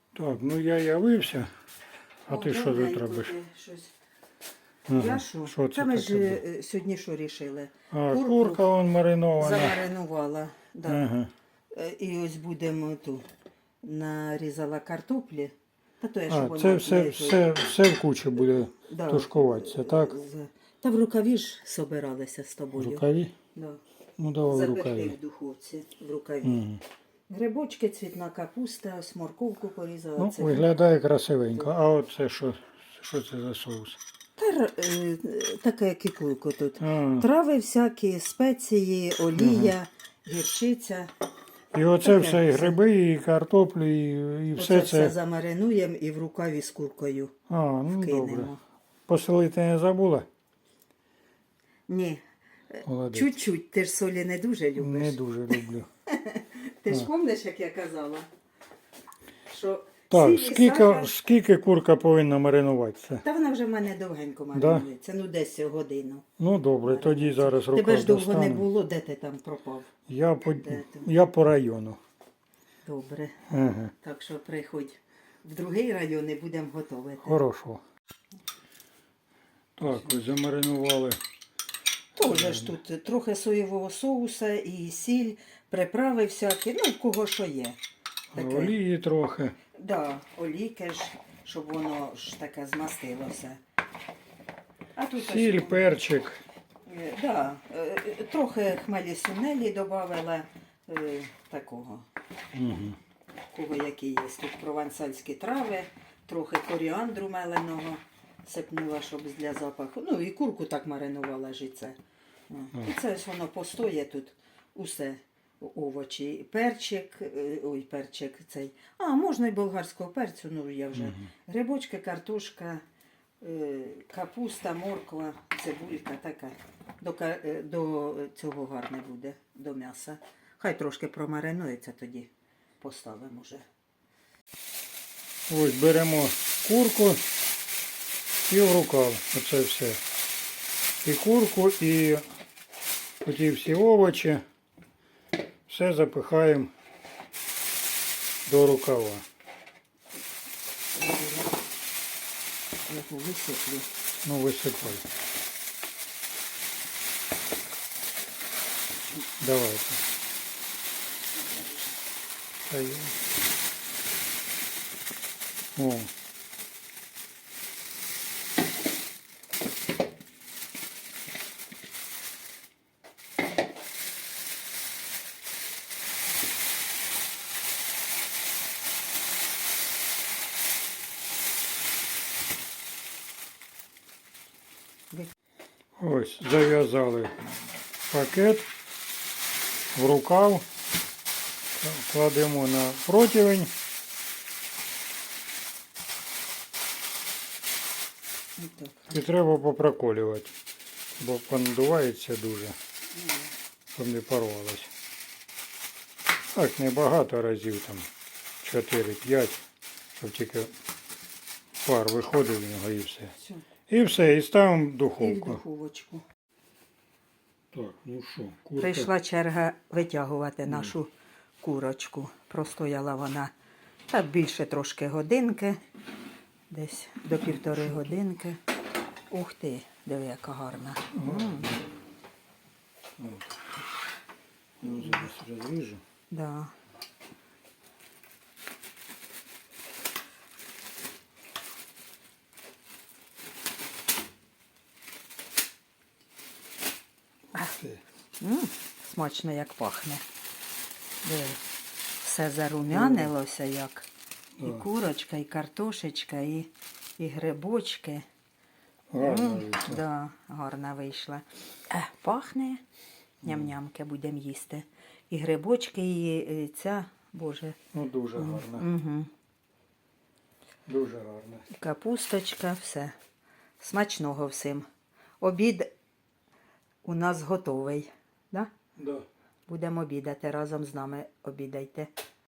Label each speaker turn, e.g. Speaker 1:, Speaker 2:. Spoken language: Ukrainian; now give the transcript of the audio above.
Speaker 1: Так, ну я явився. А ти що тут робиш?
Speaker 2: Я
Speaker 1: Ага.
Speaker 2: що?
Speaker 1: Що це
Speaker 2: Та ми
Speaker 1: таке
Speaker 2: ж
Speaker 1: було?
Speaker 2: сьогодні що рішили?
Speaker 1: А, курка вон маринована.
Speaker 2: замаринувала. Да.
Speaker 1: Ага.
Speaker 2: І ось будемо ту нарізала картоплі. Та то я, щоб
Speaker 1: А, це все в кучі буде тушкуватися, так?
Speaker 2: Та в рукаві ж собиралися з
Speaker 1: В
Speaker 2: тобою.
Speaker 1: рукаві?
Speaker 2: Да.
Speaker 1: Ну давай в
Speaker 2: Запекли
Speaker 1: рукаві.
Speaker 2: в духовці в рукаві.
Speaker 1: Угу.
Speaker 2: Грибочки, цвітна капуста, ось морковку порізала.
Speaker 1: Ну,
Speaker 2: це
Speaker 1: виглядає красивенько. А от це що це за соус?
Speaker 2: таке кікуйко тут.
Speaker 1: А,
Speaker 2: Трави всякі, спеції, олія, гірчиця.
Speaker 1: і оце
Speaker 2: таке
Speaker 1: все, і
Speaker 2: все.
Speaker 1: гриби, і картоплю, і
Speaker 2: Оце
Speaker 1: все
Speaker 2: все
Speaker 1: це.
Speaker 2: замаринуємо і в рукаві з куркою
Speaker 1: А, ну добре.
Speaker 2: кинемо.
Speaker 1: Посолити не забула?
Speaker 2: Ні,
Speaker 1: Молодець.
Speaker 2: чуть-чуть, ти ж солі не дуже любиш.
Speaker 1: Не дуже люблю.
Speaker 2: Ти ж пам'ятаєш, як я казала? Що
Speaker 1: Так,
Speaker 2: сіль і сахар-
Speaker 1: скільки курка повинна маринуватися?
Speaker 2: Та вона вже в мене довгенько маринується, ну десь годину.
Speaker 1: Ну добре, тоді зараз
Speaker 2: Тебе
Speaker 1: рукав
Speaker 2: ж довго не
Speaker 1: достану.
Speaker 2: було, де ти там пропав? Де ти?
Speaker 1: Я по району.
Speaker 2: Добре.
Speaker 1: Ага.
Speaker 2: Так що приходь в другий район і будемо готувати.
Speaker 1: Хорошо. Так, ось замаринували.
Speaker 2: Тоже ж тут трохи соєвого соуса і сіль, приправи всякі, ну в кого що є. Таке.
Speaker 1: Олії трохи.
Speaker 2: Да, олійки ж, щоб воно ж таке змастилося. А тут
Speaker 1: Сіль,
Speaker 2: ось,
Speaker 1: перчик.
Speaker 2: да, трохи хмелі сунелі додавала такого.
Speaker 1: Угу.
Speaker 2: Кого які є. Тут провансальські трави, трохи коріандру меленого сипнула, щоб для запаху. Ну і курку так маринувала ж і це. І це ось воно постоє тут усе. Овочі, перчик, перчик цей. А, можна і болгарського перцю, ну я вже. Грибочки, картошка, капуста, морква, цибулька така. До цього гарне буде, до м'яса. Хай трошки промаринується, тоді поставимо вже.
Speaker 1: Ось беремо курку і в рукав. Оце все. І курку, і оті всі овочі. Все запихаємо до рукава.
Speaker 2: Я висиплю.
Speaker 1: Ну, висипай. Давайте. О. Ось, зав'язали пакет в рукав, кладемо на противень. І треба попроколювати, бо понадувається дуже, щоб не порвалось. Так, небагато разів, там 4-5, щоб тільки пар виходив в нього і все.
Speaker 2: Все.
Speaker 1: І все, і ставимо в
Speaker 2: І в
Speaker 1: духовку.
Speaker 2: духовочку.
Speaker 1: Так, ну що, курка.
Speaker 2: Прийшла черга витягувати нашу курочку. Простояла вона так більше трошки годинки, десь до 1,5 годинки. Ух ти, диви, яка гарна.
Speaker 1: Ну, зараз розріжу.
Speaker 2: Да. Смачно як пахне. Диви, все зарум'янилося як. І курочка, і картошечка, і грибочки.
Speaker 1: Гарно вийшло.
Speaker 2: Да, гарна вийшла. Пахне. Ням-нямки будемо їсти. І грибочки, і ця, боже.
Speaker 1: Ну, дуже гарно.
Speaker 2: Угу.
Speaker 1: Дуже гарно.
Speaker 2: І капусточка, все. Смачного всім. Обід у нас готовий. Да?
Speaker 1: Да.
Speaker 2: Будемо обідати разом з нами. Обідайте.